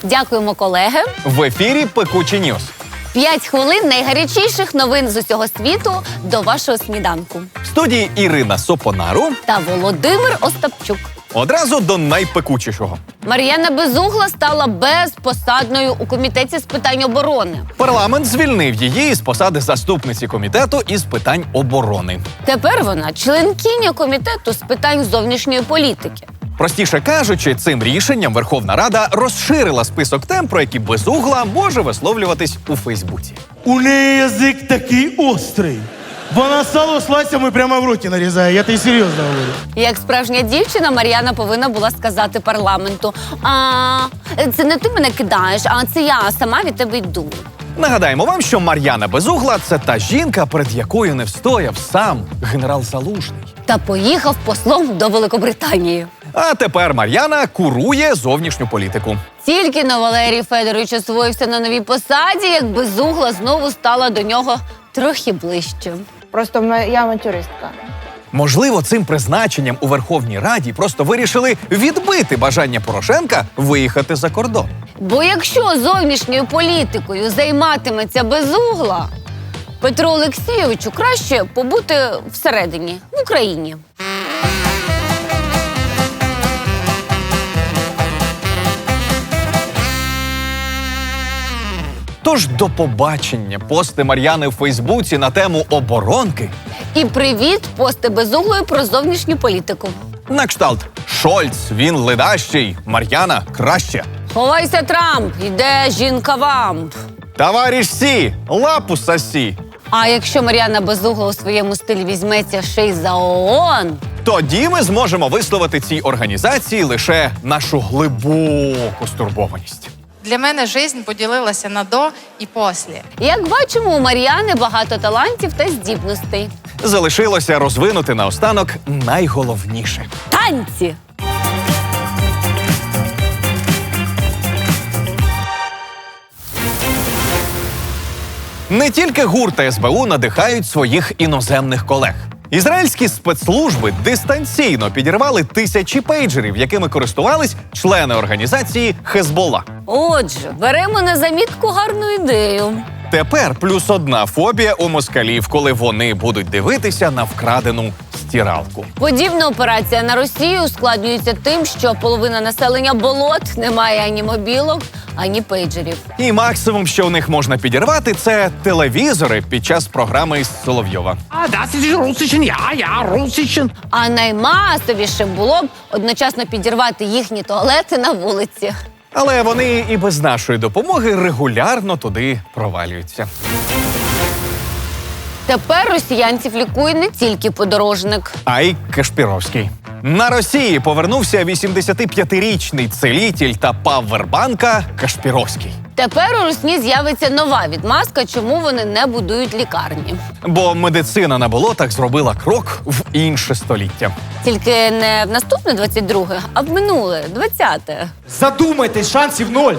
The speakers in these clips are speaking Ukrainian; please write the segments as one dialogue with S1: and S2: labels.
S1: Дякуємо, колеги.
S2: В ефірі «Пекучі Ньюс».
S1: 5 хвилин найгарячіших новин з усього світу до вашого сніданку.
S2: В студії Ірина Сопонару
S1: Та Володимир Остапчук.
S2: Одразу до найпекучішого.
S1: Мар'яна Безугла стала безпосадною у Комітеті з питань оборони.
S2: Парламент звільнив її із посади заступниці комітету із питань оборони.
S1: Тепер вона членкиня Комітету з питань зовнішньої політики.
S2: Простіше кажучи, цим рішенням Верховна Рада розширила список тем, про які Безугла може висловлюватись у Фейсбуці.
S3: У неї язик такий острий. Вона сало слайсами прямо в роті нарізає, я тобі серйозно говорю.
S1: Як справжня дівчина, Мар'яна повинна була сказати парламенту: це не ти мене кидаєш, а це я сама від тебе йду.
S2: Нагадаємо вам, що Мар'яна Безугла – це та жінка, перед якою не встояв сам генерал Залужний.
S1: Та поїхав послом до Великобританії.
S2: А тепер Мар'яна курує зовнішню політику.
S1: Тільки на Валерій Федорович освоївся на новій посаді, як Безугла знову стала до нього трохи ближче.
S4: Просто я авантюристка.
S2: Можливо, цим призначенням у Верховній Раді просто вирішили відбити бажання Порошенка виїхати за кордон.
S1: Бо якщо зовнішньою політикою займатиметься Безугла, Петру Олексійовичу краще побути всередині, в Україні.
S2: Тож до побачення пости Мар'яни в Фейсбуці на тему оборонки.
S1: І привіт, пости Безуглої про зовнішню політику.
S2: На кшталт Шольц, він ледащий, Мар'яна краще.
S1: Ховайся, Трамп, йде жінка-вамп.
S2: Товариш Сі, лапу сосі.
S1: А якщо Мар'яна Безугла у своєму стилі візьметься ще й за ООН,
S2: Тоді ми зможемо висловити цій організації лише нашу глибоку стурбованість.
S5: Для мене життя поділилася на до і після.
S1: як бачимо, у Мар'яни багато талантів та здібностей.
S2: Залишилося розвинути наостанок найголовніше.
S1: Танці!
S2: Не тільки ГУР та СБУ надихають своїх іноземних колег. Ізраїльські спецслужби дистанційно підірвали тисячі пейджерів, якими користувались члени організації Хезболла.
S1: Отже, беремо на замітку гарну ідею.
S2: Тепер плюс одна фобія у москалів, коли вони будуть дивитися на вкрадену стиралку.
S1: Подібна операція на Росію ускладнюється тим, що половина населення болот не має ані мобілок, ані пейджерів.
S2: І максимум, що у них можна підірвати, це телевізори під час програми із Соловйова.
S6: Das ist Russischen, ja, Russischen.
S1: А наймасовішим було б одночасно підірвати їхні туалети на вулиці.
S2: Але вони і без нашої допомоги регулярно туди провалюються.
S1: Тепер росіянців лікує не тільки подорожник.
S2: А й Кашпіровський. На Росії повернувся 85-річний целітель та павербанка Кашпіровський.
S1: Тепер у Русні з'явиться нова відмазка, чому вони не будують лікарні.
S2: Бо медицина на болотах зробила крок в інше століття.
S1: Тільки не в наступне 22-е, а в минуле 20-те.
S3: Задумайтесь, шансів ноль.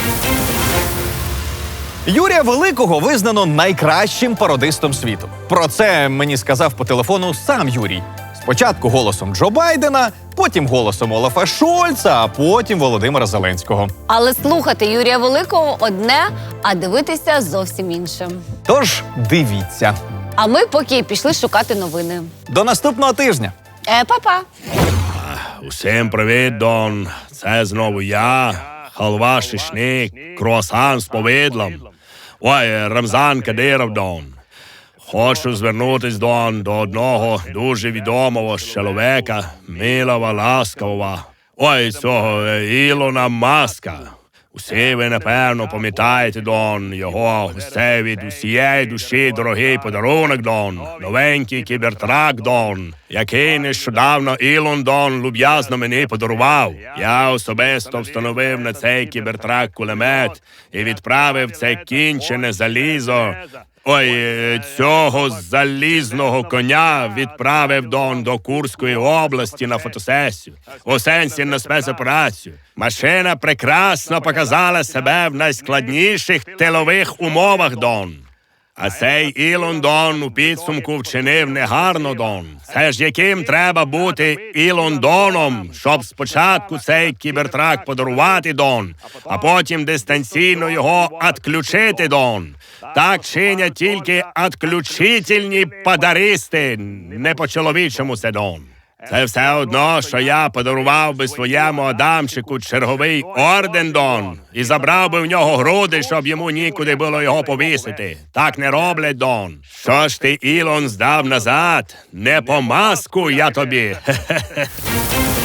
S2: Юрія Великого визнано найкращим пародистом світу. Про це мені сказав по телефону сам Юрій. Спочатку голосом Джо Байдена, потім голосом Олафа Шольца, а потім Володимира Зеленського.
S1: Але слухати Юрія Великого одне, а дивитися зовсім інше.
S2: Тож дивіться.
S1: А ми поки пішли шукати новини.
S2: До наступного тижня.
S1: Па-па!
S7: Усім привіт, Дон. Це знову я, халва шишник, круасан з повидлом. Ой, Рамзан Кадиров, Дон. Хочу звернутись, Дон, до одного дуже відомого чоловіка, милого, ласкавого. Ой, цього Ілона Маска. Усі ви, напевно, пам'ятаєте, Дон, його усе від усієї душі дорогий подарунок, Дон. Новенький кібертрак, Дон, який нещодавно Ілон, Дон, люб'язно мені подарував. Я особисто встановив на цей кібертрак кулемет і відправив це кінчене залізо. Ой, цього залізного коня відправив Дон до Курської області на фотосесію. У сенсі на спецоперацію. Машина прекрасно показала себе в найскладніших тилових умовах, Дон. А цей Ілон Дон у підсумку вчинив негарно, Дон. Це ж яким треба бути Ілон Доном, щоб спочатку цей кібертрак подарувати, Дон, а потім дистанційно його відключити, Дон. Так чинять тільки відключительні падаристи, не по-чоловічому це, Дон. Це все одно, що я подарував би своєму Адамчику черговий орден, Дон, і забрав би в нього груди, щоб йому нікуди було його повісити. Так не роблять, Дон. Що ж ти, Ілон, здав назад? Не по маску я тобі. Хе-хе-хе.